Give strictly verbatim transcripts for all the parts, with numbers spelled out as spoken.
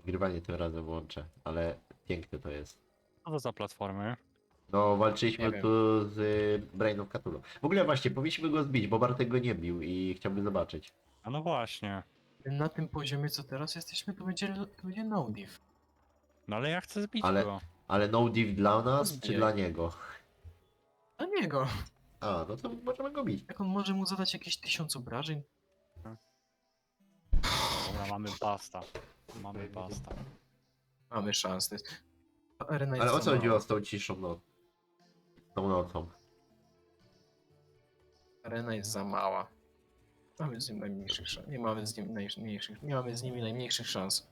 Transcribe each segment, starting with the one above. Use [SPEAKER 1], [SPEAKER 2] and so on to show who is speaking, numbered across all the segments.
[SPEAKER 1] Nagrywanie tym razem włączę, ale piękne to jest.
[SPEAKER 2] Co to za platformy?
[SPEAKER 1] No, walczyliśmy
[SPEAKER 3] Nie wiem.
[SPEAKER 1] tu z y, Brain of Cthulhu. W ogóle właśnie, powinniśmy go zbić, bo Bartek go nie bił i chciałbym zobaczyć.
[SPEAKER 2] A no właśnie.
[SPEAKER 3] Na tym poziomie, co teraz jesteśmy, to będzie, to będzie no div.
[SPEAKER 2] No ale ja chcę zbić
[SPEAKER 1] Ale-
[SPEAKER 2] go.
[SPEAKER 1] Ale no div dla nas, czy
[SPEAKER 3] Zbijaj.
[SPEAKER 1] dla niego?
[SPEAKER 3] Dla niego.
[SPEAKER 1] A, no to możemy go bić.
[SPEAKER 3] Jak on może mu zadać jakieś tysiąc obrażeń?
[SPEAKER 2] Dobra, mamy basta. Mamy basta.
[SPEAKER 3] Mamy szansę. To arena jest
[SPEAKER 1] Ale o
[SPEAKER 3] za
[SPEAKER 1] co chodziło
[SPEAKER 3] mała.
[SPEAKER 1] z tą ciszą noc? Tą nocą.
[SPEAKER 3] Arena jest za mała. Mamy z nim najmniejszych szans. Nie mamy z nim najmniejszych. Nie mamy z nimi najmniejszych szans.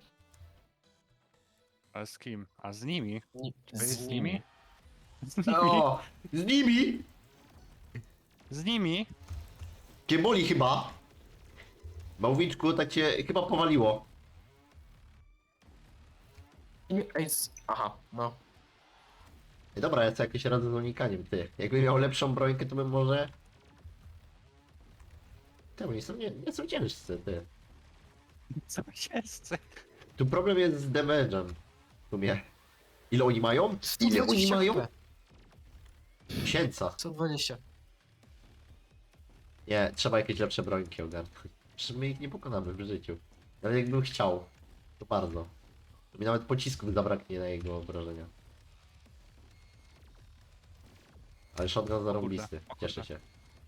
[SPEAKER 2] Ale z kim? A z nimi?
[SPEAKER 3] Ni-
[SPEAKER 2] Czy z, z nimi? Z nimi?
[SPEAKER 1] O! Z nimi!
[SPEAKER 2] Z nimi?
[SPEAKER 1] Cię boli chyba! Bałwiczku, tak cię chyba powaliło.
[SPEAKER 3] Nie- Ej, z... Aha, no.
[SPEAKER 1] Ej, dobra, ja co jakieś radzę z unikaniem, ty. Jakbym miał lepszą brońkę, to bym może... Te, oni są, nie, nie są ciężcy, ty.
[SPEAKER 2] Co jest?
[SPEAKER 1] Tu problem jest z damage'em. W sumie. Ile oni mają? Ile oni mają? Tysięca.
[SPEAKER 3] sto dwadzieścia.
[SPEAKER 1] Nie, trzeba jakieś lepsze brońki ogarnąć. Przecież my ich nie pokonamy w życiu. Ale jakbym chciał, to bardzo. To mi nawet pocisków zabraknie na jego obrażenia. Ale shotgun zarąbisty,
[SPEAKER 2] o kurde.
[SPEAKER 1] cieszę się.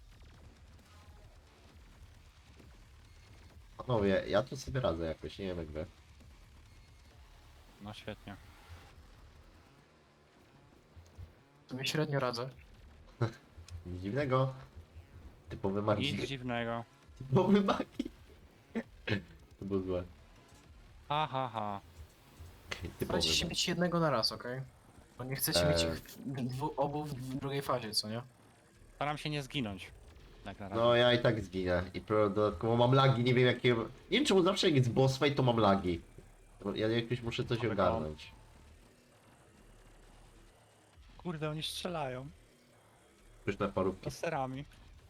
[SPEAKER 1] Panowie, ja tu sobie radzę jakoś, nie wiem jak wy.
[SPEAKER 2] No świetnie.
[SPEAKER 3] Sobie średnio radzę.
[SPEAKER 1] Nic dziwnego. Typowy magik.
[SPEAKER 2] Nic dziwnego.
[SPEAKER 1] Typowy magik. To było złe.
[SPEAKER 2] Ha ha ha.
[SPEAKER 1] Typowy
[SPEAKER 3] Starajcie się
[SPEAKER 1] magik.
[SPEAKER 3] mieć jednego na raz, okej? Bo nie chcecie
[SPEAKER 1] Eee.
[SPEAKER 3] mieć ich w- dwu, obu w drugiej fazie, co nie?
[SPEAKER 2] Staram się nie zginąć. Tak na razie.
[SPEAKER 1] No ja i tak zginę. I pro- dodatkowo mam lagi, nie wiem jakie... Nie wiem czemu zawsze jak jest boss fight to mam lagi. To Ja jakoś muszę coś
[SPEAKER 2] Mamy
[SPEAKER 1] ogarnąć.
[SPEAKER 2] Kurde, oni strzelają.
[SPEAKER 1] Już na parówki.
[SPEAKER 2] Laserami.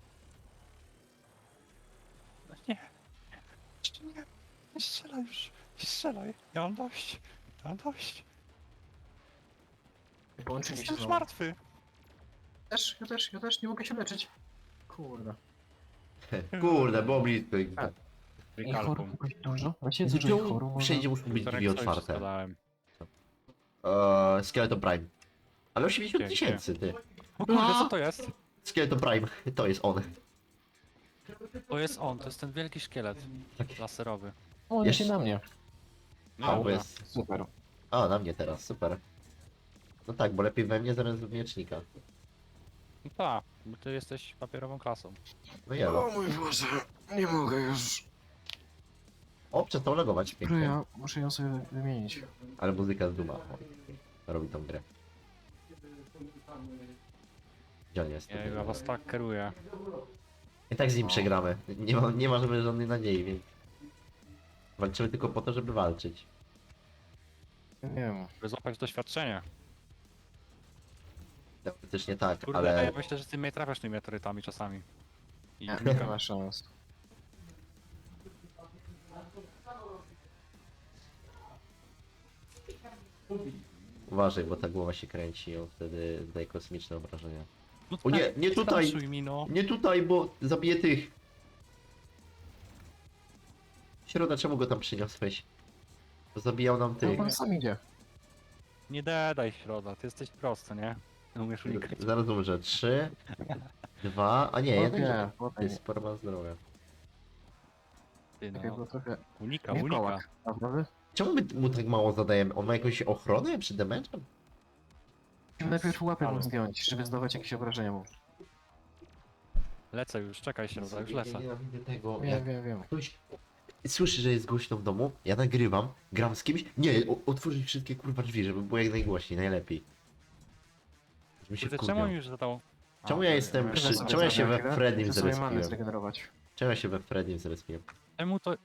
[SPEAKER 2] No nie. Jeszcze nie. Nie strzelaj już. Nie strzelaj. Ja mam dość. Ja mam dość.
[SPEAKER 3] Połączyli się
[SPEAKER 2] Jestem już
[SPEAKER 3] znowu.
[SPEAKER 2] martwy.
[SPEAKER 3] Też, ja też, ja też nie mogę się leczyć. Kurde.
[SPEAKER 1] Kurde, było blisko. ich-
[SPEAKER 3] A. I
[SPEAKER 2] Wykalkum.
[SPEAKER 3] chorób jakoś dużo? Właśnie dużo ich
[SPEAKER 1] Czemu
[SPEAKER 3] chorób można...
[SPEAKER 1] wszędzie muszą być drzwi otwarte?
[SPEAKER 2] Składałem.
[SPEAKER 1] Eee, Skeleton Prime. Ale osiemdziesiąt
[SPEAKER 2] Pięknie.
[SPEAKER 1] tysięcy, ty.
[SPEAKER 2] O kurde, co to jest?
[SPEAKER 1] Skeleton Prime, to jest on.
[SPEAKER 2] To jest on, to jest ten wielki szkielet.
[SPEAKER 1] Tak.
[SPEAKER 2] Laserowy.
[SPEAKER 3] O,
[SPEAKER 1] Jeszcze-
[SPEAKER 3] się na mnie.
[SPEAKER 1] A, bo
[SPEAKER 2] dobra.
[SPEAKER 1] jest...
[SPEAKER 3] Super.
[SPEAKER 1] A, na mnie teraz, super. No tak, bo lepiej we mnie zamiast w miecznika.
[SPEAKER 2] No tak, bo ty jesteś papierową klasą.
[SPEAKER 1] No jelo.
[SPEAKER 3] mój Boże, nie mogę już.
[SPEAKER 1] O, przestał logować, pięknie.
[SPEAKER 3] Ja muszę ją sobie wymienić.
[SPEAKER 1] Ale muzyka z Duma. O, robi tą grę. Gdzie on jest?
[SPEAKER 2] Ja, ja was tak kieruję.
[SPEAKER 1] I tak z nim przegramy. Nie ma, nie ma żeby żadnej nadziei, więc... Walczymy tylko po to, żeby walczyć.
[SPEAKER 3] Nie wiem.
[SPEAKER 2] By złapać doświadczenie.
[SPEAKER 1] Teoretycznie tak,
[SPEAKER 2] Kurde,
[SPEAKER 1] ale...
[SPEAKER 2] ja myślę, że ty mnie trafiasz tymi meteorytami czasami. I
[SPEAKER 3] Nie, nie ma szans.
[SPEAKER 1] Uważaj, bo ta głowa się kręci i on wtedy zdaje kosmiczne obrażenia.
[SPEAKER 2] No
[SPEAKER 1] O nie, nie tutaj!
[SPEAKER 2] straszuj mi, no.
[SPEAKER 1] Nie tutaj, bo zabiję tych! Środa, czemu go tam przyniosłeś? Bo zabijał nam
[SPEAKER 3] No,
[SPEAKER 1] tych.
[SPEAKER 3] on sam idzie.
[SPEAKER 2] Nie dedaj środa, ty jesteś prosty, nie? Nie umiesz unikać.
[SPEAKER 1] Zaraz umrze. Trzy, dwa, a nie, jeden.
[SPEAKER 3] Nie,
[SPEAKER 1] Jest sporo ma zdrowia.
[SPEAKER 2] Ty
[SPEAKER 3] Takie było
[SPEAKER 2] no.
[SPEAKER 3] trochę...
[SPEAKER 2] Unika, unika.
[SPEAKER 3] Wilkołak, prawda?
[SPEAKER 1] Czemu my mu tak mało zadajemy? On ma jakąś ochronę przy damage'em?
[SPEAKER 3] Musimy najpierw łapę mu
[SPEAKER 2] Ale-
[SPEAKER 3] zdjąć, żeby zdawać jakieś obrażenia mu.
[SPEAKER 2] Lecę już, czekaj środa, już lecę.
[SPEAKER 1] Ja widzę tego.
[SPEAKER 3] Wiem,
[SPEAKER 1] Jak
[SPEAKER 3] wiem, wiem.
[SPEAKER 1] ktoś słyszy, że jest głośno w domu, ja nagrywam, gram z kimś. Nie, o, otworzyć wszystkie kurwa drzwi, żeby było jak najgłośniej, najlepiej. Żeby się
[SPEAKER 2] Kurde,
[SPEAKER 1] wkurwiał.
[SPEAKER 2] czemu już zadał... A,
[SPEAKER 1] Czemu ja jestem
[SPEAKER 2] ja-
[SPEAKER 1] przy-
[SPEAKER 3] Sobie
[SPEAKER 1] czemu ja się
[SPEAKER 3] zabiorę
[SPEAKER 1] we
[SPEAKER 3] chwilę,
[SPEAKER 1] Freddym
[SPEAKER 3] muszę sobie manę
[SPEAKER 1] zrespiłem?
[SPEAKER 3] zregenerować.
[SPEAKER 1] Czemu ja się we Freddym zrespiłem?
[SPEAKER 2] Czemu to...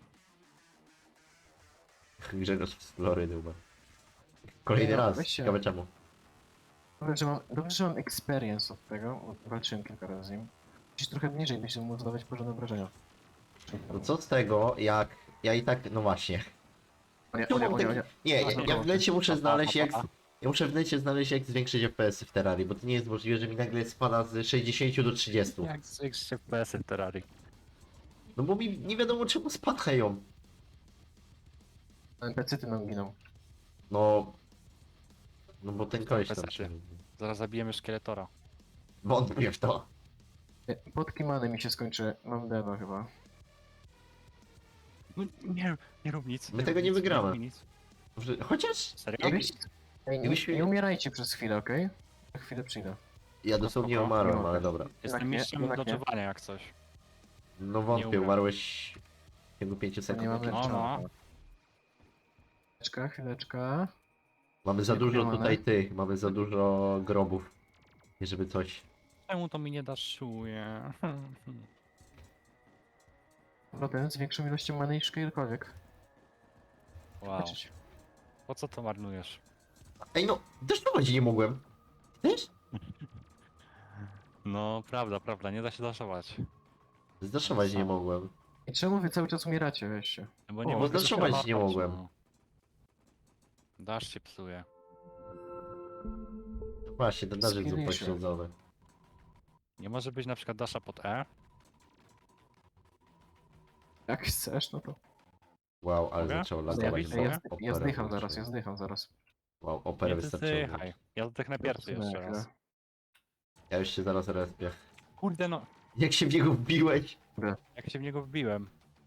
[SPEAKER 1] Grzegorz z Florydy chyba. Kolejny
[SPEAKER 3] Nie,
[SPEAKER 1] raz,
[SPEAKER 3] weź się.
[SPEAKER 1] ciekawe czemu.
[SPEAKER 3] Dobrze, że mam, dobrze, że mam experience od tego, walczyłem kilka razy z nim. Musisz trochę niżej, byś mógł zadawać porządne obrażenia.
[SPEAKER 1] No co z tego, jak ja i tak, no właśnie.
[SPEAKER 3] O nie, o
[SPEAKER 1] Czemu
[SPEAKER 3] nie,
[SPEAKER 1] mam
[SPEAKER 3] o nie, o
[SPEAKER 1] taki...
[SPEAKER 3] nie.
[SPEAKER 1] Nie,
[SPEAKER 2] A,
[SPEAKER 1] ja,
[SPEAKER 2] nie,
[SPEAKER 1] ja w necie muszę
[SPEAKER 2] pa, pa,
[SPEAKER 1] znaleźć
[SPEAKER 2] pa,
[SPEAKER 1] jak...
[SPEAKER 2] pa.
[SPEAKER 1] Ja muszę w necie znaleźć jak zwiększyć F P S-y w Terrarii, bo to nie jest możliwe, że mi nagle spada z sześćdziesięciu do trzydziestu.
[SPEAKER 2] Jak zwiększyć F P S-y w Terrarii?
[SPEAKER 1] No bo mi nie wiadomo czemu spadają.
[SPEAKER 3] N P C-ty nam giną.
[SPEAKER 1] No... No bo ten
[SPEAKER 2] To
[SPEAKER 1] koleś tam...
[SPEAKER 2] N P C-ty. Zaraz zabijemy szkieletora.
[SPEAKER 1] Wątpię w to.
[SPEAKER 3] Nie, Podki many mi się skończy. Mam deno chyba.
[SPEAKER 2] No nie, nie rób nic.
[SPEAKER 1] My
[SPEAKER 2] nie
[SPEAKER 1] tego
[SPEAKER 2] rób
[SPEAKER 1] nie
[SPEAKER 2] nic,
[SPEAKER 1] wygramy.
[SPEAKER 2] rób nic.
[SPEAKER 1] Może- Chociaż...
[SPEAKER 2] Serio?
[SPEAKER 1] Jak-
[SPEAKER 3] Jakbyś... Ej, nie,
[SPEAKER 1] jakbyśmy-
[SPEAKER 3] nie umierajcie przez chwilę, okej? Za chwilę przyjdę.
[SPEAKER 1] Ja dosłownie
[SPEAKER 2] spoko,
[SPEAKER 1] umarłem,
[SPEAKER 3] nie
[SPEAKER 1] ale
[SPEAKER 3] mogę.
[SPEAKER 1] dobra.
[SPEAKER 2] Jestem
[SPEAKER 3] Jednak nie,
[SPEAKER 2] mistrzem
[SPEAKER 3] jednak nie.
[SPEAKER 2] dodżowania jak coś.
[SPEAKER 1] No
[SPEAKER 2] Nie
[SPEAKER 1] wątpię,
[SPEAKER 2] umrę.
[SPEAKER 1] umarłeś w ciągu pięciu sekund.
[SPEAKER 3] Nie mamy
[SPEAKER 2] No, no.
[SPEAKER 3] Chwileczka, chwileczka.
[SPEAKER 1] Mamy za
[SPEAKER 3] Nie
[SPEAKER 1] dużo
[SPEAKER 3] mamy.
[SPEAKER 1] tutaj tych, mamy za dużo grobów. Nie żeby coś...
[SPEAKER 2] Czemu to mi nie daszuje?
[SPEAKER 3] Problem z większą ilością many niż kiedykolwiek.
[SPEAKER 2] Wow.
[SPEAKER 3] Zobaczyć.
[SPEAKER 2] Po co to marnujesz?
[SPEAKER 1] Ej no, deszczować nie mogłem. Też?
[SPEAKER 2] No, prawda, prawda, nie da się daszować.
[SPEAKER 1] Zdaszować nie
[SPEAKER 2] Samo.
[SPEAKER 1] mogłem.
[SPEAKER 3] I czemu wy cały czas umieracie, weźcie?
[SPEAKER 2] No Bo
[SPEAKER 1] O,
[SPEAKER 2] nie
[SPEAKER 1] bo
[SPEAKER 2] mogę
[SPEAKER 1] daszować
[SPEAKER 2] się
[SPEAKER 1] nie
[SPEAKER 2] łapać,
[SPEAKER 1] mogłem.
[SPEAKER 2] no. Dasz się psuje.
[SPEAKER 1] Właśnie, ten darzyk był
[SPEAKER 3] Skillisie.
[SPEAKER 1] pośledzony.
[SPEAKER 2] Nie może być na przykład dasza pod E?
[SPEAKER 3] Jak chcesz, no to...
[SPEAKER 1] Wow, ale
[SPEAKER 2] Mogę?
[SPEAKER 1] zaczęło
[SPEAKER 3] Ja,
[SPEAKER 1] latować.
[SPEAKER 2] Zabić
[SPEAKER 3] ja,
[SPEAKER 2] mogę?
[SPEAKER 3] ja,
[SPEAKER 1] bo
[SPEAKER 3] ja
[SPEAKER 1] operę
[SPEAKER 3] zdycham zaraz, ja
[SPEAKER 1] wystarczyło.
[SPEAKER 3] zdycham zaraz.
[SPEAKER 1] Wow, operę
[SPEAKER 2] Nie
[SPEAKER 1] wystarczyło.
[SPEAKER 2] zdychaj. Ja zdechnę pierwszy jeszcze raz.
[SPEAKER 1] Ja już się zaraz respię.
[SPEAKER 2] Kurde no,
[SPEAKER 1] Jak się w niego wbiłeś?
[SPEAKER 2] jak się w niego wbiłem.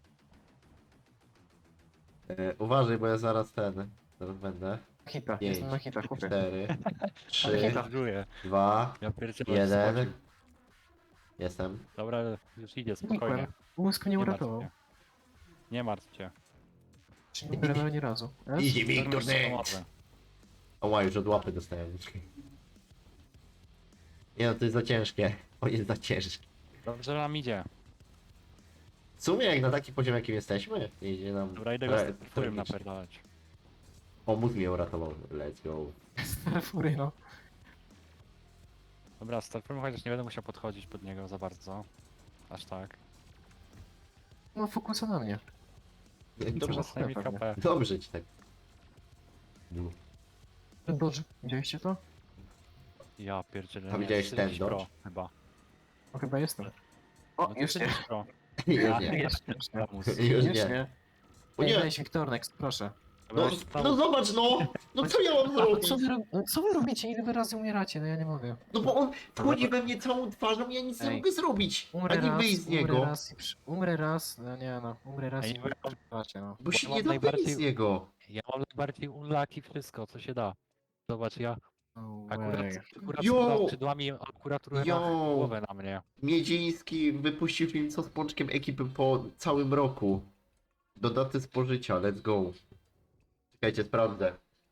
[SPEAKER 1] E, uważaj, bo ja zaraz ten... Zaraz będę.
[SPEAKER 3] Hita,
[SPEAKER 1] Pięć,
[SPEAKER 3] jestem na hitach, chłopie.
[SPEAKER 1] cztery,
[SPEAKER 2] Ale
[SPEAKER 1] trzy,
[SPEAKER 2] żartuję.
[SPEAKER 1] dwa,
[SPEAKER 2] Ja pierdzielę
[SPEAKER 1] jeden.
[SPEAKER 2] skoczył.
[SPEAKER 1] Jestem.
[SPEAKER 2] Dobra, już idzie, spokojnie.
[SPEAKER 3] Znikłem. Mózg mnie
[SPEAKER 2] Nie martw
[SPEAKER 3] uratował.
[SPEAKER 2] się. Nie martw się.
[SPEAKER 3] Czy nie umierałem ani razu. S?
[SPEAKER 1] Idzie mi
[SPEAKER 2] Dormisz
[SPEAKER 1] turny!
[SPEAKER 2] samochodzę.
[SPEAKER 1] Oła, już od łapy dostałem. Nie no, to jest za ciężkie. O, jest za ciężkie.
[SPEAKER 2] Dobrze nam idzie.
[SPEAKER 1] W sumie jak na taki poziom jakim jesteśmy, idzie nam...
[SPEAKER 2] Dobra, idę go
[SPEAKER 1] re-
[SPEAKER 2] z tym którym
[SPEAKER 1] tragicznie.
[SPEAKER 2] napierdalać.
[SPEAKER 1] O, mózg mnie uratował. Let's go.
[SPEAKER 3] Fury, no.
[SPEAKER 2] Dobra, startujmy, chociaż nie będę musiał podchodzić pod niego za bardzo. Aż tak.
[SPEAKER 3] No fokusa na mnie.
[SPEAKER 1] Dobrze,
[SPEAKER 2] Zostaje mi
[SPEAKER 3] pewnie.
[SPEAKER 2] K P.
[SPEAKER 1] dobrze ci tak. No.
[SPEAKER 3] Ten dodge, widzieliście to?
[SPEAKER 2] Ja pierdzielę.
[SPEAKER 1] A
[SPEAKER 2] nie,
[SPEAKER 1] widziałeś ten
[SPEAKER 2] czterdzieści pro
[SPEAKER 1] dodge?
[SPEAKER 2] Chyba.
[SPEAKER 3] No chyba jestem.
[SPEAKER 2] No
[SPEAKER 3] O,
[SPEAKER 2] to
[SPEAKER 3] już nie.
[SPEAKER 2] czterdzieści pro.
[SPEAKER 1] Już
[SPEAKER 2] Ja,
[SPEAKER 1] nie.
[SPEAKER 2] jeszcze Ramus.
[SPEAKER 1] Już
[SPEAKER 3] Już
[SPEAKER 1] nie.
[SPEAKER 3] nie.
[SPEAKER 1] O
[SPEAKER 3] Ej,
[SPEAKER 1] nie.
[SPEAKER 3] weź Wiktor, next, proszę.
[SPEAKER 1] No,
[SPEAKER 2] Dobra, zostało-
[SPEAKER 1] no zobacz no! No co ja mam
[SPEAKER 3] A,
[SPEAKER 1] zrobić?
[SPEAKER 3] co wy, rob- no, co wy robicie? Ile wy razy umieracie? No ja nie mogę.
[SPEAKER 1] No bo on wchodzi we mnie całą twarzą i ja nic nie
[SPEAKER 3] Ej.
[SPEAKER 1] mogę zrobić.
[SPEAKER 3] Umrę
[SPEAKER 1] Ani
[SPEAKER 3] raz,
[SPEAKER 1] wyjść z
[SPEAKER 3] umrę
[SPEAKER 1] niego.
[SPEAKER 3] raz i przy... Umrę raz, no nie no, umrę raz
[SPEAKER 2] Ej,
[SPEAKER 3] i
[SPEAKER 2] nie wiem.
[SPEAKER 3] przepraszam, no.
[SPEAKER 1] Bo się
[SPEAKER 2] mam
[SPEAKER 1] nie da
[SPEAKER 2] najbardziej-
[SPEAKER 1] wyjść z niego.
[SPEAKER 2] Ja mam najbardziej unlucky wszystko, co się da. Zobacz, ja
[SPEAKER 3] No
[SPEAKER 2] akurat,
[SPEAKER 3] way.
[SPEAKER 2] akurat
[SPEAKER 1] Yo!
[SPEAKER 2] z skrzydłami, akurat trochę
[SPEAKER 1] Yo!
[SPEAKER 2] ma głowę na mnie.
[SPEAKER 1] Miedziński wypuścił film co z pączkiem ekipy po całym roku. Do daty spożycia, let's go. Czekajcie, sprawdzę.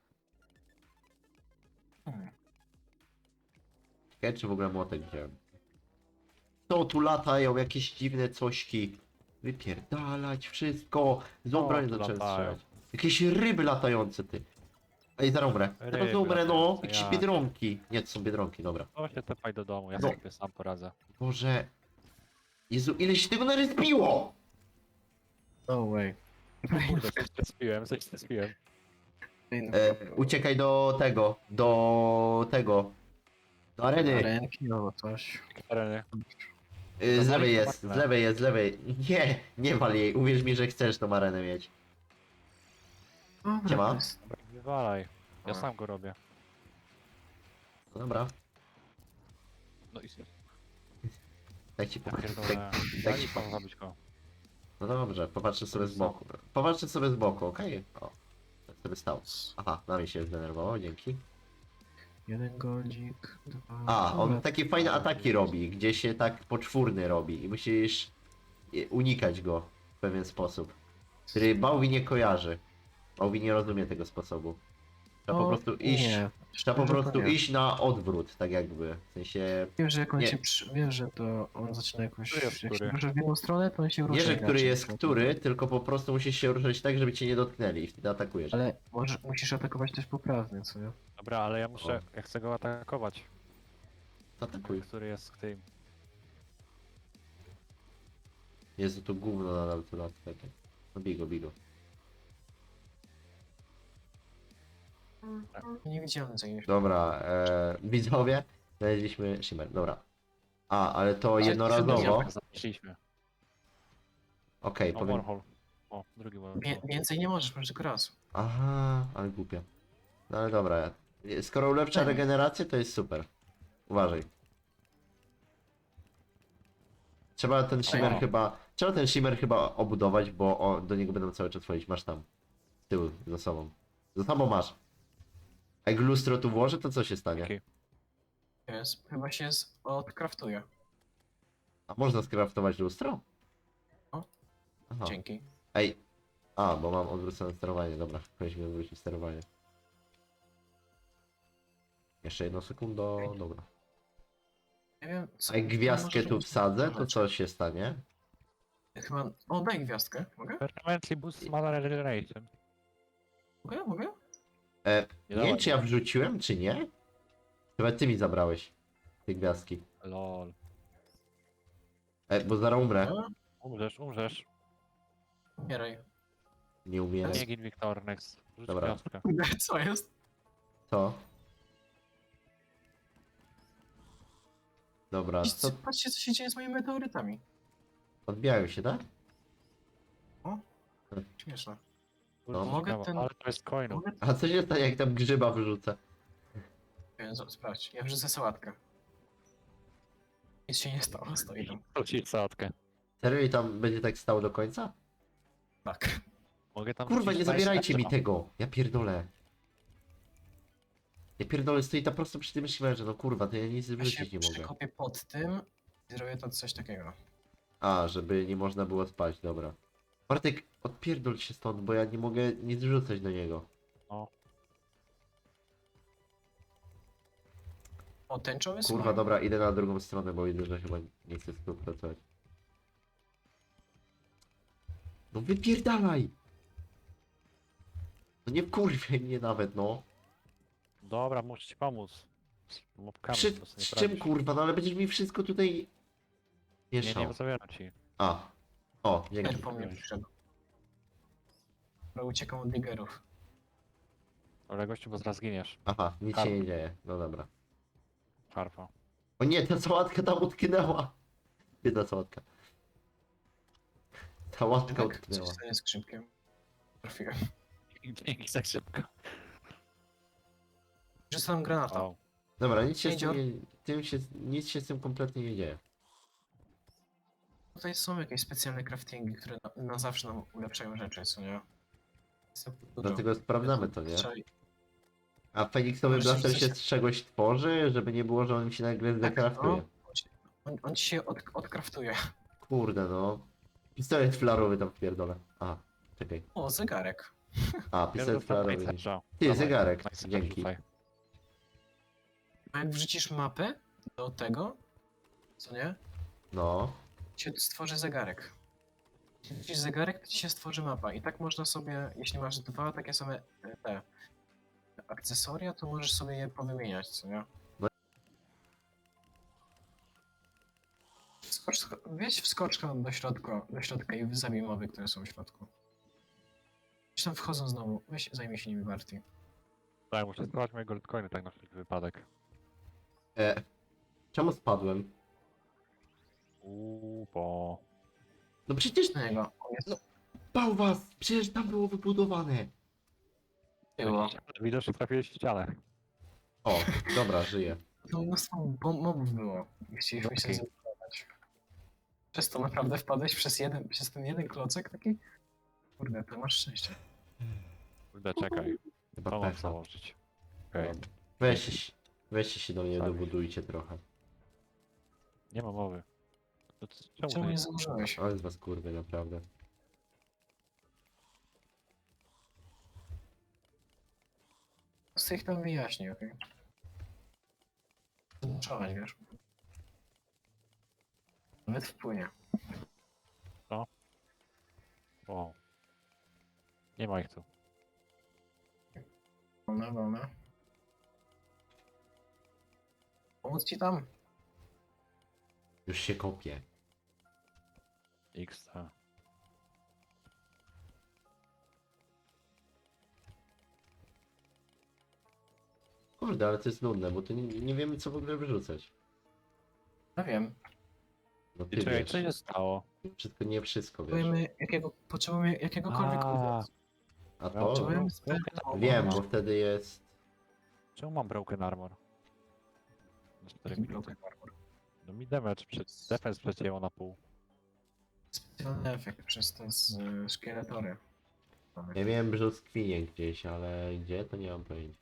[SPEAKER 3] Hmm.
[SPEAKER 1] Czekaj, czy w ogóle młotek wziąłem. Co tu latają, jakieś dziwne cośki. Wypierdalać wszystko. Z
[SPEAKER 2] O,
[SPEAKER 1] obrań
[SPEAKER 2] tu
[SPEAKER 1] zacząłem
[SPEAKER 2] latają.
[SPEAKER 1] strzelać. Jakieś ryby latające, ty. Ej, zaraz umrę. Zaraz
[SPEAKER 2] Ryby
[SPEAKER 1] umrę, no.
[SPEAKER 2] latające,
[SPEAKER 1] Jakieś
[SPEAKER 2] jak?
[SPEAKER 1] biedronki. Nie, to są biedronki, dobra.
[SPEAKER 2] O, się tepaj do domu, ja
[SPEAKER 1] No.
[SPEAKER 2] sobie sam poradzę.
[SPEAKER 1] Boże. Jezu, ile się tego naryspiło!
[SPEAKER 3] No way.
[SPEAKER 2] Kurde, coś strespiłem, coś strespiłem.
[SPEAKER 1] E, uciekaj do tego, do tego. Do areny.
[SPEAKER 3] Ręki, no coś.
[SPEAKER 2] Tereny.
[SPEAKER 1] Y, z
[SPEAKER 2] No,
[SPEAKER 1] lewej
[SPEAKER 2] no,
[SPEAKER 1] jest, z
[SPEAKER 2] no.
[SPEAKER 1] lewej jest, z lewej. Nie, nie wal jej. Uwierz mi, że chcesz tą arenę mieć.
[SPEAKER 3] Dobra,
[SPEAKER 1] Siema.
[SPEAKER 3] to jest-
[SPEAKER 2] Dobra, wywalaj. Ja
[SPEAKER 3] A.
[SPEAKER 2] sam go robię.
[SPEAKER 1] No dobra,
[SPEAKER 2] No i
[SPEAKER 1] tak ci
[SPEAKER 2] ja
[SPEAKER 1] powiem.
[SPEAKER 2] pierdolę.
[SPEAKER 1] Tak,
[SPEAKER 2] Ja
[SPEAKER 1] tak ci
[SPEAKER 2] nie
[SPEAKER 1] powiem.
[SPEAKER 2] mam zabić go.
[SPEAKER 1] No dobrze, popatrzę sobie z boku. Popatrzę sobie z boku, okej? O, tak sobie stał. Aha, na mnie się zdenerwowało, dzięki.
[SPEAKER 3] Jeden godzik, dwa...
[SPEAKER 1] A, on
[SPEAKER 3] Dobra.
[SPEAKER 1] takie fajne ataki robi, gdzie się tak poczwórny robi i musisz e, unikać go w pewien sposób, który Bałwi nie kojarzy. Bałwi nie rozumie tego sposobu. Trzeba po
[SPEAKER 3] No,
[SPEAKER 1] prostu iść,
[SPEAKER 3] Nie.
[SPEAKER 1] trzeba po
[SPEAKER 3] szczerze to
[SPEAKER 1] prostu
[SPEAKER 3] nie.
[SPEAKER 1] iść na odwrót, tak jakby. W sensie,
[SPEAKER 3] Wiem, że jak on
[SPEAKER 1] Nie.
[SPEAKER 3] się przy... Wiem, że to on zaczyna jakoś...
[SPEAKER 2] Który jest
[SPEAKER 3] Jak się
[SPEAKER 2] który?
[SPEAKER 3] rusza w jedną stronę, to on się rusza
[SPEAKER 1] nie, że który
[SPEAKER 3] inaczej.
[SPEAKER 1] jest który, tylko po prostu musisz się ruszać tak, żeby cię nie dotknęli i wtedy atakujesz.
[SPEAKER 3] Ale może, musisz atakować też poprawnie, co nie?
[SPEAKER 2] Dobra, ale ja muszę,
[SPEAKER 1] O.
[SPEAKER 2] ja chcę go atakować.
[SPEAKER 1] Atakuj.
[SPEAKER 2] Który jest w tym.
[SPEAKER 1] Jezu, to gówno nadal tu lat. takie. No bigo, bigo.
[SPEAKER 3] Nie widziałem za nim.
[SPEAKER 1] Dobra, e, widzowie, znaleźliśmy shimmer, dobra. A, ale to
[SPEAKER 3] Ale
[SPEAKER 1] jednorazowo.
[SPEAKER 2] Tak zapiszliśmy.
[SPEAKER 1] Okej,
[SPEAKER 2] O,
[SPEAKER 1] powiem.
[SPEAKER 2] Warhol. O, drugi Warhol.
[SPEAKER 3] Wie, więcej nie możesz, masz tylko raz.
[SPEAKER 1] Aha, ale głupia. No ale dobra. Skoro ulepsza
[SPEAKER 3] Tak.
[SPEAKER 1] regenerację, to jest super. Uważaj. Trzeba ten shimmer
[SPEAKER 2] O.
[SPEAKER 1] chyba. Trzeba ten shimmer chyba obudować, bo o, do niego będą cały czas wchodzić. Masz tam. Z tyłu, za sobą. Za sobą masz. A jak lustro tu włożę, to co się stanie?
[SPEAKER 2] Okej.
[SPEAKER 3] Jest, chyba się z... odkraftuje.
[SPEAKER 1] A można skraftować lustro?
[SPEAKER 3] O.
[SPEAKER 1] Aha.
[SPEAKER 3] Dzięki.
[SPEAKER 1] Ej. A, bo mam odwrócone sterowanie, dobra. Powinniśmy odwrócić sterowanie. Jeszcze jedno sekundo,
[SPEAKER 3] Okej.
[SPEAKER 1] dobra.
[SPEAKER 3] Nie wiem, co...
[SPEAKER 1] A jak gwiazdkę
[SPEAKER 3] może
[SPEAKER 1] tu
[SPEAKER 3] robić-
[SPEAKER 1] wsadzę, to
[SPEAKER 3] Aha,
[SPEAKER 1] co się stanie?
[SPEAKER 3] Chyba... O, daj gwiazdkę. Mogę?
[SPEAKER 2] Permanently boost mana regeneration.
[SPEAKER 3] Mogę? Mogę?
[SPEAKER 1] E,
[SPEAKER 2] Nie
[SPEAKER 1] nie wiem,
[SPEAKER 2] dawaj,
[SPEAKER 1] czy ja wrzuciłem, czy nie? Chyba ty mi zabrałeś te gwiazdki.
[SPEAKER 2] Lol.
[SPEAKER 1] E, bo zaraz umrę.
[SPEAKER 3] No,
[SPEAKER 2] Umrzesz, umrzesz.
[SPEAKER 3] umieraj.
[SPEAKER 1] Nie umiem.
[SPEAKER 2] Nie gin Wiktor, next. Rzuć
[SPEAKER 1] Dobra.
[SPEAKER 2] gwiazdkę.
[SPEAKER 3] Co jest?
[SPEAKER 1] Co? Dobra, co?
[SPEAKER 3] Patrzcie, co się dzieje z moimi meteorytami.
[SPEAKER 1] Odbijają się, tak?
[SPEAKER 3] Śmieszne.
[SPEAKER 2] Kurczę,
[SPEAKER 3] mogę
[SPEAKER 2] ciekawe,
[SPEAKER 3] ten-
[SPEAKER 2] Ale to jest coinu.
[SPEAKER 3] Mogę?
[SPEAKER 1] A co się stanie, jak tam grzyba wyrzucę?
[SPEAKER 3] Nie, z- Sprawdź, ja wrzucę sałatkę. Nic się nie stało, stoi tam.
[SPEAKER 2] Rzucić sałatkę.
[SPEAKER 1] Serio i tam będzie tak stało do końca?
[SPEAKER 3] Tak.
[SPEAKER 2] Mogę tam
[SPEAKER 1] Kurwa,
[SPEAKER 2] wrzucić
[SPEAKER 1] nie
[SPEAKER 2] nice
[SPEAKER 1] zabierajcie mi
[SPEAKER 2] extra.
[SPEAKER 1] tego! Ja pierdolę. Ja pierdolę, stoi tam prosto przy tym shimmerze, no kurwa, to ja nic
[SPEAKER 3] Ja się
[SPEAKER 1] wrzucić nie mogę.
[SPEAKER 3] przekopię pod tym i zrobię to coś takiego.
[SPEAKER 1] A, żeby nie można było spać, dobra. Bartek, odpierdol się stąd, bo ja nie mogę nic wrzucać do niego.
[SPEAKER 3] O, tęczowy
[SPEAKER 1] Kurwa,
[SPEAKER 3] slime.
[SPEAKER 1] dobra, idę na drugą stronę, bo widzę, że chyba nie chcę współpracować. No wypierdalaj! No nie kurwie mnie nawet, no.
[SPEAKER 2] Dobra, muszę ci pomóc. Z mopkami
[SPEAKER 1] Przy,
[SPEAKER 2] po prostu nie
[SPEAKER 1] z czym
[SPEAKER 2] poradzisz.
[SPEAKER 1] kurwa, no ale będziesz mi wszystko tutaj
[SPEAKER 2] Nie,
[SPEAKER 1] mieszał.
[SPEAKER 2] nie zabieram ci.
[SPEAKER 1] A. O, dzięki.
[SPEAKER 3] Ten po mnie przyszedł. Dobra, uciekam od digerów.
[SPEAKER 2] Ale gościu, bo zaraz giniesz.
[SPEAKER 1] Aha, nic się nie dzieje. No dobra.
[SPEAKER 2] Harfa.
[SPEAKER 1] O nie, ta sałatka tam utknęła. Biedna sałatka. Sałatka
[SPEAKER 3] Tak, coś
[SPEAKER 1] utknęła.
[SPEAKER 3] się stanie z skrzynkiem. Trafiłem.
[SPEAKER 2] Dzięki tak szybko.
[SPEAKER 3] Rzucam granata.
[SPEAKER 2] O,
[SPEAKER 1] Dobra, nic się, z
[SPEAKER 3] Jedzior.
[SPEAKER 1] tym, nie, tym się, nic się z tym kompletnie nie dzieje.
[SPEAKER 3] Tutaj są jakieś specjalne craftingi, które na, na zawsze nam ulepszają rzeczy, co nie? Jest dużo.
[SPEAKER 1] Dlatego sprawdzamy to, nie?
[SPEAKER 3] Trzeba-
[SPEAKER 1] A Feniksowy
[SPEAKER 3] Możecie
[SPEAKER 1] blaster się
[SPEAKER 3] coś-
[SPEAKER 1] z czegoś tworzy, żeby nie było, że on mi się nagle zdekraftuje.
[SPEAKER 3] no. On, on ci się od, odkraftuje.
[SPEAKER 1] Kurde no. Pistolet flarowy tam wpierdolę. A, czekaj.
[SPEAKER 3] O, zegarek.
[SPEAKER 1] A, pistolet flarowy. Ty,
[SPEAKER 2] Dawaj,
[SPEAKER 1] zegarek.
[SPEAKER 2] nice,
[SPEAKER 1] Dzięki.
[SPEAKER 2] rzucaj.
[SPEAKER 3] A jak wrzucisz mapę do tego, co nie?
[SPEAKER 1] No.
[SPEAKER 3] Ci stworzy zegarek. Jak wrzucisz zegarek, to ci się stworzy mapa. I tak można sobie, jeśli masz dwa takie same e, te akcesoria, to możesz sobie je powymieniać, co nie?
[SPEAKER 1] No.
[SPEAKER 3] Skocz, wjedź wskoczkę do środka, do środka i zabij mowy, które są w środku. Jeśli tam wchodzą znowu, weź zajmij się nimi Barty.
[SPEAKER 2] Tak, muszę schować moje goldcoiny tak na wszelki wypadek.
[SPEAKER 1] E, czemu spadłem?
[SPEAKER 2] Uuu, bo...
[SPEAKER 1] No przecież
[SPEAKER 3] Na niego. On jest
[SPEAKER 1] No. bał was! Przecież tam było wybudowane.
[SPEAKER 3] było.
[SPEAKER 2] Widocznie trafiłeś w ścianę.
[SPEAKER 1] O, dobra, żyję.
[SPEAKER 3] To mnóstwo bom- mobów było. I chcieliśmy się
[SPEAKER 2] Okej.
[SPEAKER 3] zebrać. Przez to naprawdę wpadłeś przez jeden, przez ten jeden klocek taki? Kurde, to masz szczęście.
[SPEAKER 2] Kurde, czekaj.
[SPEAKER 1] Chyba
[SPEAKER 2] To mam
[SPEAKER 1] pecha.
[SPEAKER 2] założyć. Okej.
[SPEAKER 1] Dobra. Weźcie, weźcie się do mnie,
[SPEAKER 2] Tak.
[SPEAKER 1] dobudujcie trochę.
[SPEAKER 2] Nie ma mowy. To c- czemu
[SPEAKER 3] Czemu
[SPEAKER 2] to
[SPEAKER 3] nie
[SPEAKER 2] nie...
[SPEAKER 3] założyłeś?
[SPEAKER 1] Ale z was kurwy, naprawdę.
[SPEAKER 3] Po prostu ich tam wyjaśnij, okej? Zmuszałeś, wiesz? Nawet wpłynie.
[SPEAKER 2] O. Nie ma ich tu.
[SPEAKER 3] Wolne, wolne. Pomóc ci tam?
[SPEAKER 1] Już się kopię.
[SPEAKER 2] X, T.
[SPEAKER 1] Kurde, ale to jest nudne, bo tu nie, nie wiemy co w ogóle wyrzucać.
[SPEAKER 3] Ja wiem.
[SPEAKER 1] No
[SPEAKER 2] I
[SPEAKER 1] ty
[SPEAKER 2] czekaj,
[SPEAKER 1] wiesz.
[SPEAKER 2] co się stało?
[SPEAKER 1] Wszystko, nie wszystko wiesz.
[SPEAKER 3] Potrzebujemy, jakiego, potrzebujemy jakiegokolwiek
[SPEAKER 2] A,
[SPEAKER 3] owocu.
[SPEAKER 1] A
[SPEAKER 2] Ja
[SPEAKER 1] to?
[SPEAKER 3] Potrzebujemy
[SPEAKER 2] broken
[SPEAKER 3] sperma.
[SPEAKER 1] Wiem, bo wtedy jest...
[SPEAKER 2] Czemu mam broken armor? Na cztery
[SPEAKER 3] Jaki
[SPEAKER 2] minuty.
[SPEAKER 3] broken armor?
[SPEAKER 2] No mi damage, przed, defense przecięło na pół.
[SPEAKER 3] Specjalny efekt przez te z, y, szkieletory. Mamy.
[SPEAKER 1] Ja miałem brzoskwinie gdzieś, ale gdzie to nie mam pojęcia.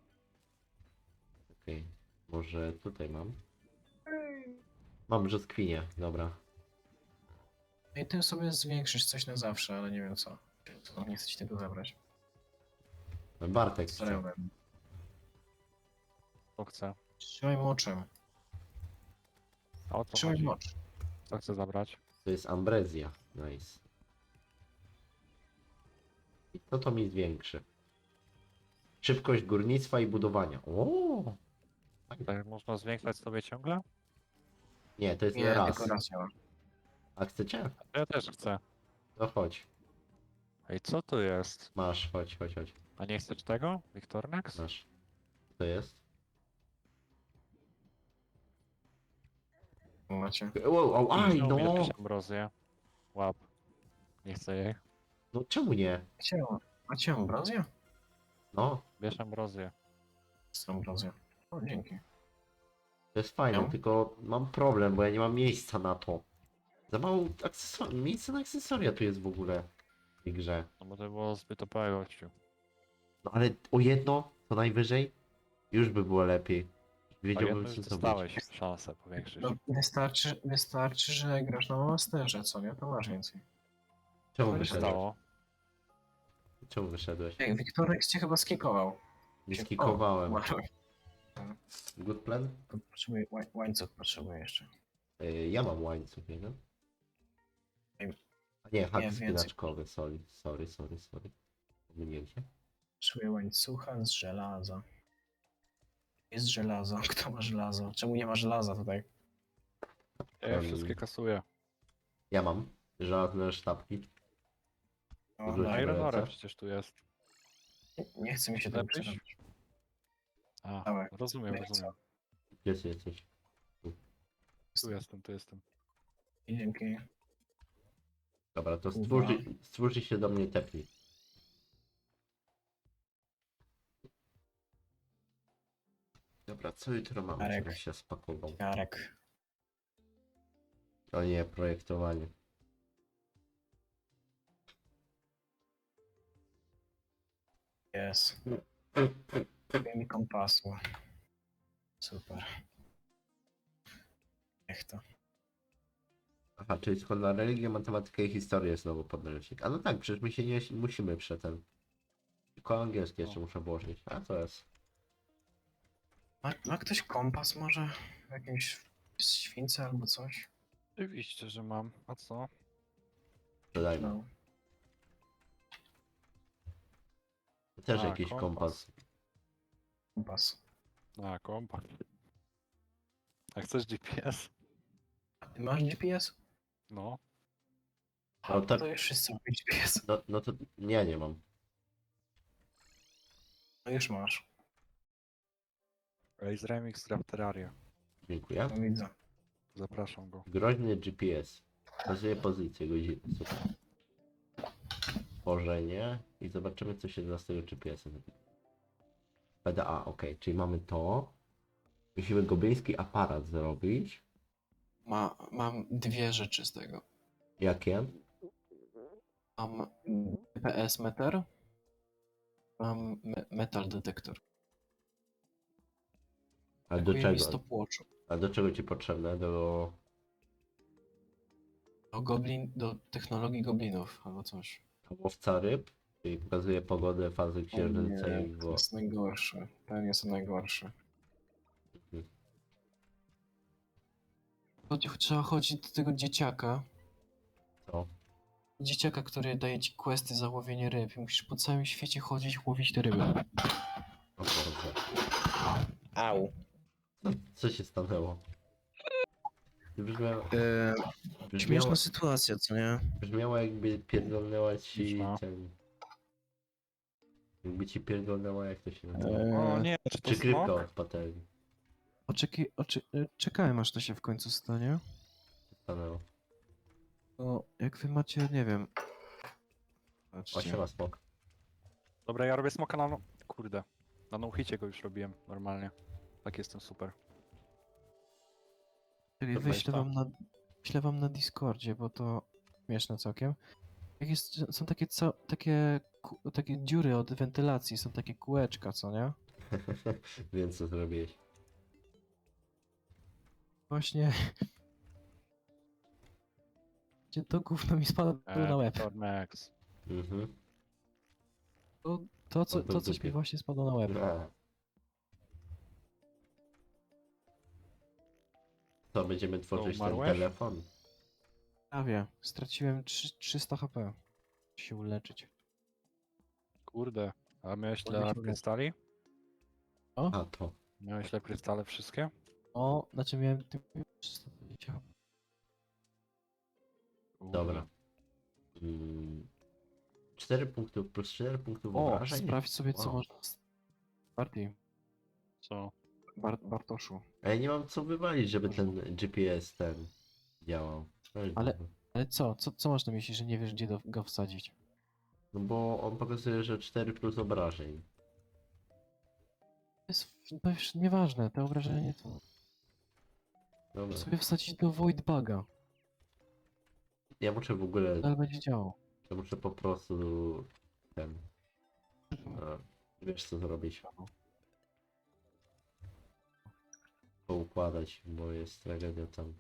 [SPEAKER 1] Okej, może tutaj mam. Mam brzoskwinie, dobra.
[SPEAKER 3] No i tym sobie zwiększysz coś na zawsze, ale nie wiem co. co nie chcę ci tego zabrać.
[SPEAKER 1] Bartek chce.
[SPEAKER 3] Starałem.
[SPEAKER 2] Co chce?
[SPEAKER 3] Trzymaj moczem.
[SPEAKER 2] A o co
[SPEAKER 3] Trzymaj
[SPEAKER 2] chodzi?
[SPEAKER 3] mocz.
[SPEAKER 2] Co chce zabrać?
[SPEAKER 1] To jest ambrezja. Nice. I to to mi zwiększy. Szybkość górnictwa i budowania. O!
[SPEAKER 2] Tak można zwiększać sobie ciągle?
[SPEAKER 1] Nie, to jest
[SPEAKER 3] Nie,
[SPEAKER 1] raz.
[SPEAKER 3] tylko raz działa.
[SPEAKER 1] A chcecie?
[SPEAKER 2] Ja też chcę.
[SPEAKER 1] No chodź.
[SPEAKER 2] Ej, co to jest?
[SPEAKER 1] Masz, chodź, chodź, chodź.
[SPEAKER 2] A nie chcesz tego? Victornex?
[SPEAKER 1] Masz. Co to jest?
[SPEAKER 3] Macie.
[SPEAKER 1] Wow, au, aj,
[SPEAKER 2] Czemu mi
[SPEAKER 1] no!
[SPEAKER 2] jakieś ambrozje? Łap. Nie chcę jej.
[SPEAKER 1] No czemu nie?
[SPEAKER 3] Macie, macie ambrozję?
[SPEAKER 1] No,
[SPEAKER 2] Bierz ambrozję.
[SPEAKER 3] Z ambrozją. O, dzięki.
[SPEAKER 1] to jest fajne,
[SPEAKER 3] No.
[SPEAKER 1] tylko mam problem, bo ja nie mam miejsca na to. Za mało akcesoria, miejsca na akcesoria tu jest w ogóle w tej grze.
[SPEAKER 2] No bo to było zbyt O P gościu.
[SPEAKER 1] No ale o jedno, co najwyżej, już by było lepiej.
[SPEAKER 2] A
[SPEAKER 1] Wiedziałbym
[SPEAKER 2] jedno
[SPEAKER 1] co
[SPEAKER 2] już
[SPEAKER 1] zrobić.
[SPEAKER 2] dostałeś szansę powiększyć.
[SPEAKER 3] No, wystarczy, wystarczy, że grasz na masterze, co nie? To masz więcej.
[SPEAKER 1] Czemu
[SPEAKER 2] Co się
[SPEAKER 1] wyszedłeś?
[SPEAKER 2] stało?
[SPEAKER 1] Czemu wyszedłeś?
[SPEAKER 3] Ej, Wiktorek cię chyba skikował.
[SPEAKER 1] Nie
[SPEAKER 3] Się-
[SPEAKER 1] skikowałem.
[SPEAKER 3] O, umarłeś.
[SPEAKER 1] Good plan?
[SPEAKER 3] To Potrzebuję, łań- łańcuch potrzebuję jeszcze.
[SPEAKER 1] Yy, ja mam łańcuch, nie wiem.
[SPEAKER 3] Ej,
[SPEAKER 1] A nie, hak
[SPEAKER 3] nie, więcej.
[SPEAKER 1] spinaczkowy, sorry, sorry, sorry, sorry. Pomyliłem się.
[SPEAKER 3] Potrzebuję łańcucha z żelaza. Jest żelazo. Kto ma żelazo? Czemu nie ma żelaza tutaj?
[SPEAKER 2] Ja je
[SPEAKER 1] Em,
[SPEAKER 2] wszystkie kasuję.
[SPEAKER 1] Ja mam żelazne sztabki.
[SPEAKER 3] O,
[SPEAKER 1] Wrzuć
[SPEAKER 3] daj.
[SPEAKER 2] Iron Ore
[SPEAKER 1] lecę.
[SPEAKER 2] przecież tu jest.
[SPEAKER 3] Nie chce mi się tego
[SPEAKER 2] Lepiej?
[SPEAKER 3] przerobić.
[SPEAKER 2] A,
[SPEAKER 3] Dawaj.
[SPEAKER 2] rozumiem,
[SPEAKER 3] Lecę.
[SPEAKER 2] rozumiem.
[SPEAKER 1] Gdzie ty jesteś?
[SPEAKER 2] Tu jestem, tu jestem.
[SPEAKER 3] I dzięki.
[SPEAKER 1] Dobra, to
[SPEAKER 3] Uwa.
[SPEAKER 1] stwórzy, stwórzy się do mnie tepnij. Dobra, co jutro mam?
[SPEAKER 3] Arek.
[SPEAKER 1] Żebym się spakował.
[SPEAKER 3] Jarek.
[SPEAKER 1] O nie, projektowanie.
[SPEAKER 3] Jest. Brakuje mi kompasu. Super. Niech to.
[SPEAKER 1] Aha, czyli skąd na religię, matematykę i historię znowu podręcznik. A no tak, przecież my się nie musimy prze ten. Tylko angielski jeszcze muszę włożyć. A co jest?
[SPEAKER 3] Ma, ma ktoś kompas może? W jakimś śwince albo coś?
[SPEAKER 2] Oczywiście, że mam. A co?
[SPEAKER 1] Dodajmy.
[SPEAKER 3] No.
[SPEAKER 1] Też
[SPEAKER 2] A,
[SPEAKER 1] jakiś
[SPEAKER 2] kompas.
[SPEAKER 1] kompas.
[SPEAKER 3] Kompas.
[SPEAKER 2] A, kompa. A chcesz G P S?
[SPEAKER 3] A ty masz G P S?
[SPEAKER 2] No.
[SPEAKER 1] No tak.
[SPEAKER 3] To już wszyscy mają G P S.
[SPEAKER 1] No, no to nie, nie mam.
[SPEAKER 3] No już masz.
[SPEAKER 2] Raze Remix Draft Terraria.
[SPEAKER 1] Dziękuję.
[SPEAKER 3] No widzę.
[SPEAKER 2] Zapraszam go.
[SPEAKER 1] Groźny G P S. Pokazuje pozycję godziny. Super. Tworzenie. I zobaczymy co się da z tego G P S-a. P D A, ok. Czyli mamy to. Musimy gobliński aparat zrobić.
[SPEAKER 3] Ma, mam dwie rzeczy z tego.
[SPEAKER 1] Jakie?
[SPEAKER 3] Mam G P S meter. Mam me metal detektor.
[SPEAKER 1] A do
[SPEAKER 3] Brakuje mi
[SPEAKER 1] czego?
[SPEAKER 3] stopwatchu.
[SPEAKER 1] A do czego ci potrzebne? Do...
[SPEAKER 3] Do goblin, do technologii goblinów albo coś.
[SPEAKER 1] łowca ryb? Czyli pokazuje pogodę, fazy księżyca
[SPEAKER 3] Nie,
[SPEAKER 1] i
[SPEAKER 3] to
[SPEAKER 1] wo...
[SPEAKER 3] jest najgorszy. Ten jest najgorszy.
[SPEAKER 1] Mhm.
[SPEAKER 3] Chodzi, trzeba chodzić do tego dzieciaka.
[SPEAKER 1] Co?
[SPEAKER 3] Dzieciaka, który daje ci questy za łowienie ryb. I musisz po całym świecie chodzić, łowić te ryby.
[SPEAKER 1] O Boże.
[SPEAKER 3] Au.
[SPEAKER 1] Co, co się stanęło? Brzmiało,
[SPEAKER 3] Eee,
[SPEAKER 1] brzmiało,
[SPEAKER 3] śmieszna sytuacja, co nie?
[SPEAKER 1] brzmiało jakby pierdolnęła ci
[SPEAKER 2] Śmieszna.
[SPEAKER 1] ten... Jakby ci pierdolnęła, jak to się nazywa.
[SPEAKER 2] O
[SPEAKER 3] Eee,
[SPEAKER 2] nie, czy to
[SPEAKER 1] Przykrywka
[SPEAKER 2] smok?
[SPEAKER 1] od patelni.
[SPEAKER 3] oczeki, oczy, e, czekałem aż to się w końcu stanie.
[SPEAKER 1] Stanęło.
[SPEAKER 3] To jak wy macie, nie wiem.
[SPEAKER 1] O,
[SPEAKER 3] Patrzcie.
[SPEAKER 1] siema smok.
[SPEAKER 2] Dobra, ja robię smoka na no... Kurde. Na no-hicie go już robiłem, normalnie. Tak jestem super.
[SPEAKER 3] Czyli
[SPEAKER 2] Dobra,
[SPEAKER 3] wyślę
[SPEAKER 2] jest
[SPEAKER 3] wam na, wyślę wam na Discordzie, bo to śmieszne całkiem. Jak jest, są takie, co, takie, ku- takie dziury od wentylacji, są takie kółeczka, co nie?
[SPEAKER 1] Wiem co zrobiłeś.
[SPEAKER 3] Właśnie. Gdzie to gówno mi spadło na łeb.
[SPEAKER 2] Tor Max.
[SPEAKER 1] Mhm.
[SPEAKER 3] To, to, co,
[SPEAKER 1] On był
[SPEAKER 3] to
[SPEAKER 1] w
[SPEAKER 3] coś mi
[SPEAKER 1] dupie.
[SPEAKER 3] właśnie spadło na łeb.
[SPEAKER 1] No. To będziemy tworzyć ten
[SPEAKER 2] umarłeś?
[SPEAKER 1] telefon.
[SPEAKER 3] Prawie. Straciłem trzy- trzysta H P. Muszę się uleczyć.
[SPEAKER 2] Kurde. A miałeś
[SPEAKER 3] Ładnie
[SPEAKER 2] ile
[SPEAKER 3] się
[SPEAKER 2] krystali?
[SPEAKER 1] A to.
[SPEAKER 2] Miałeś ile krystale wszystkie?
[SPEAKER 3] O, znaczy miałem ty- trzysta dwadzieścia H P.
[SPEAKER 2] Kurde.
[SPEAKER 1] Dobra. Mm. cztery punktów plus cztery punktów
[SPEAKER 3] O,
[SPEAKER 1] obrażeń.
[SPEAKER 3] sprawdź sobie, co
[SPEAKER 1] Wow.
[SPEAKER 3] można. z- Bardziej.
[SPEAKER 2] Co?
[SPEAKER 3] Bar Bartoszu.
[SPEAKER 1] A ja nie mam co wywalić, żeby
[SPEAKER 3] Dobrze.
[SPEAKER 1] ten G P S ten działał. No i
[SPEAKER 3] Ale-
[SPEAKER 1] dobra.
[SPEAKER 3] Ale co? Co, co masz na myśli, że nie wiesz, gdzie do, go wsadzić?
[SPEAKER 1] No bo on pokazuje, że cztery plus obrażeń.
[SPEAKER 3] To jest, to już nieważne, te obrażenie to
[SPEAKER 1] Dobra.
[SPEAKER 3] sobie wsadzić do Void Buga,
[SPEAKER 1] Ja muszę w ogóle.
[SPEAKER 3] ale będzie działał.
[SPEAKER 1] Ja muszę po prostu ten. A, wiesz co zrobić. Poukładać, bo jest tragedia tam.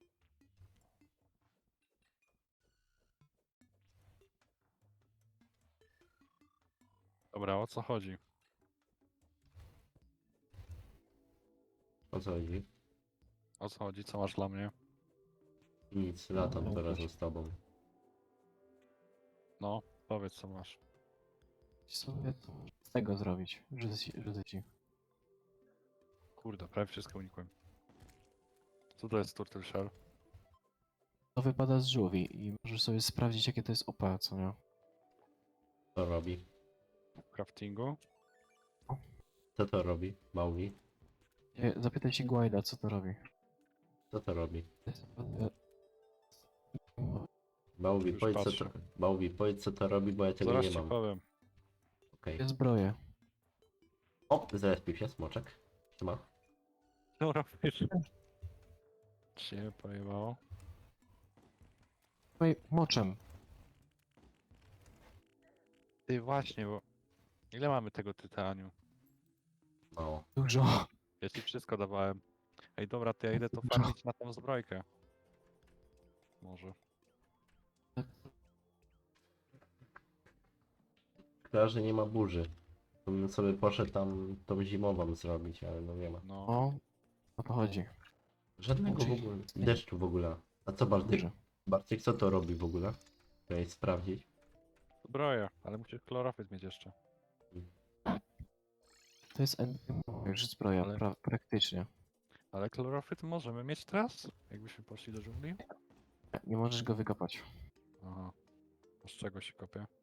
[SPEAKER 2] Dobra, o co chodzi?
[SPEAKER 1] O co chodzi?
[SPEAKER 2] O co chodzi? Co masz dla mnie?
[SPEAKER 1] Nic, latam
[SPEAKER 3] No,
[SPEAKER 1] teraz
[SPEAKER 3] też.
[SPEAKER 1] z tobą.
[SPEAKER 2] No, powiedz co masz.
[SPEAKER 3] Sobie to z tego zrobić. Rzucę ci. Rzucę ci.
[SPEAKER 2] Kurde, prawie wszystko unikłem. Co to jest Turtle Shell?
[SPEAKER 3] To wypada z żółwi i możesz sobie sprawdzić, jakie to jest O P, co nie?
[SPEAKER 1] Co robi?
[SPEAKER 2] W craftingu?
[SPEAKER 1] Co to robi? Maugi?
[SPEAKER 3] Nie, Zapytaj się Guida, co to robi.
[SPEAKER 1] Co to robi?
[SPEAKER 3] To jest-
[SPEAKER 1] Maugi,
[SPEAKER 2] Już
[SPEAKER 1] powiedz co
[SPEAKER 2] patrzę.
[SPEAKER 1] to. Maugi, powiedz co to robi, bo ja tego
[SPEAKER 2] Zaraz
[SPEAKER 1] nie
[SPEAKER 2] ci
[SPEAKER 1] mam.
[SPEAKER 2] powiem.
[SPEAKER 1] Okej.
[SPEAKER 3] Te zbroje.
[SPEAKER 1] O, zrespił się, smoczek. Trzyma.
[SPEAKER 2] No robisz. Cię pojebało.
[SPEAKER 3] Tutaj moczem.
[SPEAKER 2] Ty właśnie, bo... Ile mamy tego tytaniu?
[SPEAKER 1] Mało.
[SPEAKER 3] Dużo.
[SPEAKER 2] Ja ci wszystko dawałem. Ej dobra, to ja idę to farmić na tą zbrojkę. Może.
[SPEAKER 1] Chyba, że nie ma burzy. To bym sobie poszedł tam tą zimową zrobić, ale no nie ma.
[SPEAKER 2] No.
[SPEAKER 3] O, o to chodzi.
[SPEAKER 1] Żadnego w
[SPEAKER 3] Znaczy-
[SPEAKER 1] ogóle. Deszczu w ogóle. A co Bartek?
[SPEAKER 3] Dużo.
[SPEAKER 1] Bartek, co to robi w ogóle? Chciałeś sprawdzić.
[SPEAKER 2] Zbroję, ale musisz chlorofyt mieć jeszcze.
[SPEAKER 3] To jest już zbroja,
[SPEAKER 2] Ale-
[SPEAKER 3] pra praktycznie.
[SPEAKER 2] Ale chlorofyt możemy mieć teraz? Jakbyśmy poszli do dżungli?
[SPEAKER 3] Nie możesz go wykopać.
[SPEAKER 2] Aha. A z czego się kopie?